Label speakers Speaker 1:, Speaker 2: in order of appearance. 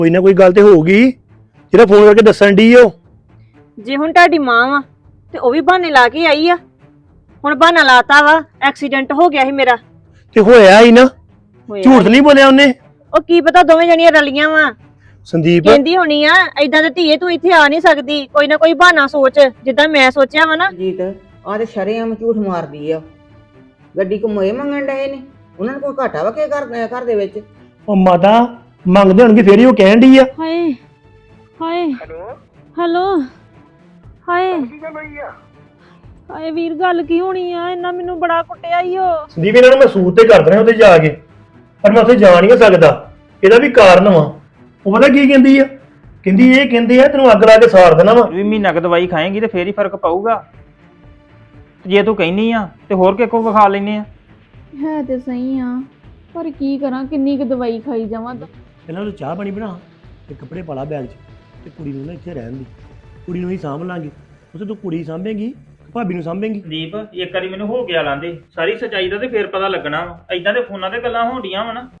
Speaker 1: ਕੋਈ ਨਾ ਕੋਈ ਗੱਲ ਤੇ ਹੋਊਗੀ ਜਿਹੜਾ ਫੋਨ ਕਰਕੇ ਦੱਸਣ ਦੀ ਓ।
Speaker 2: ਜੇ ਹੁਣ ਤੁਹਾਡੀ ਮਾਂ ਵਾ ਤੇ ਉਹ ਵੀ ਬਹਾਨੇ ਲਾ ਕੇ ਆਈ ਆ। ਹੁਣ ਬਹਾਨਾ ਲਾਤਾ ਵਾ, ਐਕਸੀਡੈਂਟ ਹੋ ਗਿਆ ਸੀ ਮੇਰਾ।
Speaker 1: ਤੇ ਹੋਇਆ ਹੀ ਨਾ,
Speaker 2: ਹੋਇਆ
Speaker 1: ਝੂਠ ਨਹੀਂ ਬੋਲਿਆ ਉਹਨੇ।
Speaker 2: ਉਹ ਕੀ ਪਤਾ ਦੋਵੇਂ ਜਣੀਆਂ ਰਲੀਆਂ ਵਾ।
Speaker 1: ਸੰਦੀਪ
Speaker 2: ਕਹਿੰਦੀ ਹੋਣੀ ਆ ਏਦਾਂ ਤੇ ਧੀਏ ਤੂੰ ਇੱਥੇ ਆ ਨਹੀਂ ਸਕਦੀ, ਕੋਈ ਨਾ ਕੋਈ ਬਹਾਨਾ ਸੋਚ, ਜਿੱਦਾਂ ਮੈਂ ਸੋਚਿਆ ਵਾ ਨਾ।
Speaker 3: ਜੀਤ ਆਹ ਤੇ ਸ਼ਰੇਆਮ ਝੂਠ ਮਾਰਦੀ ਆ। ਗੱਡੀ ਘੁੰਮੋਏ ਮੰਗਣ ਡਏ ਨੇ, ਉਹਨਾਂ ਨੂੰ ਕੋਈ ਘਾਟਾ ਵਾ ਕੀ ਘਰ ਦੇ ਵਿੱਚ।
Speaker 1: ਉਹ ਮਾਤਾ ਮੰਗਦੇ ਹੋਣਗੇ ਫੇਰ ਹੀ ਉਹ ਕਹਿਣ ਦੀ ਆ।
Speaker 2: ਹਾਏ ਹਾਏ ਹੈਲੋ ਹਾਏ ਹਾਏ ਵੀਰ ਗੱਲ ਕੀ ਹੋਣੀ ਆ? ਇਹਨਾਂ ਮੈਨੂੰ ਬੜਾ ਕੁੱਟਿਆ ਈ ਓ।
Speaker 1: ਸੰਦੀਪ ਇਹਨਾਂ ਨੂੰ ਮੈਂ ਸੂਤ ਤੇ ਕਰ ਦੇਣਾ ਉੱਥੇ ਜਾ ਕੇ, ਪਰ ਮੈਂ ਉੱਥੇ ਜਾ ਨਹੀਂ ਸਕਦਾ। ਇਹਦਾ ਵੀ ਕਾਰਨ ਵਾ। ਉਹ ਪਤਾ ਕੀ ਕਹਿੰਦੀ ਆ? ਇਹ ਕਹਿੰਦੇ ਆ ਤੈਨੂੰ ਅੱਗ ਲਾ ਕੇ ਸਾੜ ਦੇਣਾ ਵਾ।
Speaker 4: ਵੀ ਮਹੀਨਾ ਕੁ ਦਵਾਈ ਖਾਏਂਗੀ ਤੇ ਫੇਰ ਹੀ ਫਰਕ ਪਊਗਾ। ਜੇ ਤੂੰ ਕਹਿਨੀ ਆ ਤੇ ਹੋਰ ਕਿਸੇ ਕੋ ਵਿਖਾ ਲੈਨੇ ਆ।
Speaker 5: ਹੈ ਤੇ ਸਹੀ ਆ, ਪਰ ਕੀ ਕਰਾਂ, ਕਿੰਨੀ ਕੁ ਦਵਾਈ ਖਾਈ ਜਾਵਾਂ।
Speaker 1: ਇਹਨਾਂ ਨੂੰ ਚਾਹ ਪਾਣੀ ਬਣਾ ਤੇ ਕੱਪੜੇ ਪਾ ਲਾ ਬੈਗ 'ਚ, ਤੇ ਕੁੜੀ ਨੂੰ ਨਾ ਇੱਥੇ ਰਹਿਣ ਦੀ। ਕੁੜੀ ਨੂੰ ਹੀ ਸਾਂਭ ਲਾਂਗੇ। ਉਸੇ ਤੂੰ ਕੁੜੀ ਸਾਂਭੇਂਗੀ, ਭਾਬੀ ਨੂੰ ਸਾਂਭੇਂਗੀ।
Speaker 4: ਦੀਪ ਇੱਕ ਵਾਰੀ ਮੈਨੂੰ ਹੋ ਗਿਆ ਲਾਂਦੇ ਸਾਰੀ ਸੱਚਾਈ ਦਾ ਤੇ ਫੇਰ ਪਤਾ ਲੱਗਣਾ ਵਾ। ਐਦਾਂ ਦੇ ਫੋਨਾਂ ਤੇ ਗੱਲਾਂ ਹੋਣੀਆਂ ਵਾ ਨਾ।